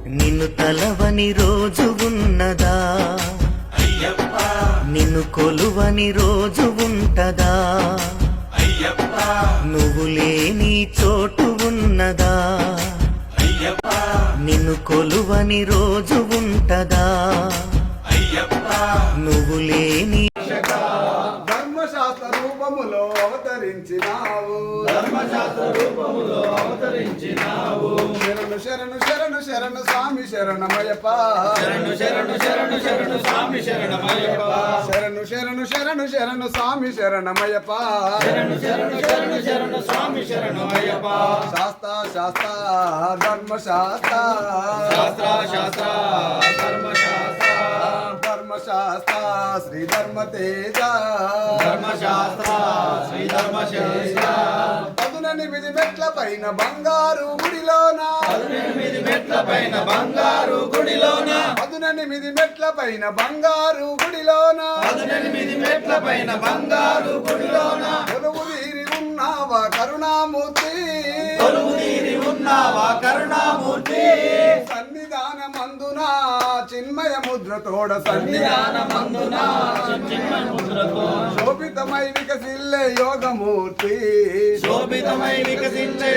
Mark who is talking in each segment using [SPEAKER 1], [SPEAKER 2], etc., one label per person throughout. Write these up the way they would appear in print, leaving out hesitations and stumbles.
[SPEAKER 1] నిన్ను తలవని రోజు ఉన్నదా? నిన్ను కొలువని రోజు ఉంటదా? నువ్వు లేని చోటు ఉన్నదా? నిన్ను కొలువని రోజు ఉంటదా? నువ్వు లేని
[SPEAKER 2] ధర్మశాస్త్ర రూపములో అవతరించినావు, శరణు శరణు శరణు శరణు స్వామి శరణమయ్యప్ప, శరణు శరణు శరణు శరణు స్వామి శరణమయ్యప్ప, శరణు శరణు శరణు శరణు స్వామి శరణమయ్యప్ప, శరణు శరణు శరణు శరణు స్వామి శరణమయ్యప్ప. శాస్త్ర శాస్త్ర ధర్మశాస్త్ర, శాస్త్ర శాస్త్ర ధర్మశాస్త్ర, ధర్మశాస్త్ర శ్రీ ధర్మ తేజ, ధర్మశాస్త్ర శ్రీ ధర్మశేష. 18 మెట్ల పైన బంగారు గుడిలోన, 18 మెట్ల పైన బంగారు గుడిలోన, 18 మెట్ల పైన బంగారు గుడిలోన, 18 మెట్ల పైన బంగారు గుడిలోన కొలువు తీరి ఉన్నావా కరుణామూర్తి, కొలువు తీరి ఉన్నావా కరుణామూర్తి. సన్నిధానమందున చిన్మయ ముద్రతోడ, సన్నిధానమందున చిన్మయ ముద్రతో శోభితమై వికసిల్లే యోగమూర్తి, శోభితమై వికసిల్లే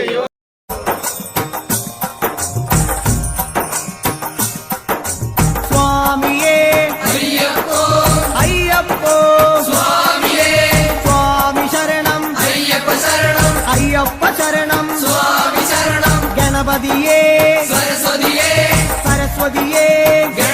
[SPEAKER 1] స్వామియే అయ్యప్పో అయ్యప్పో, స్వామియే స్వామి శరణం అయ్యప్ప శరణం, అయ్యప్ప శరణం స్వామి శరణం. గణపతియే సరస్వతియే, సరస్వతియే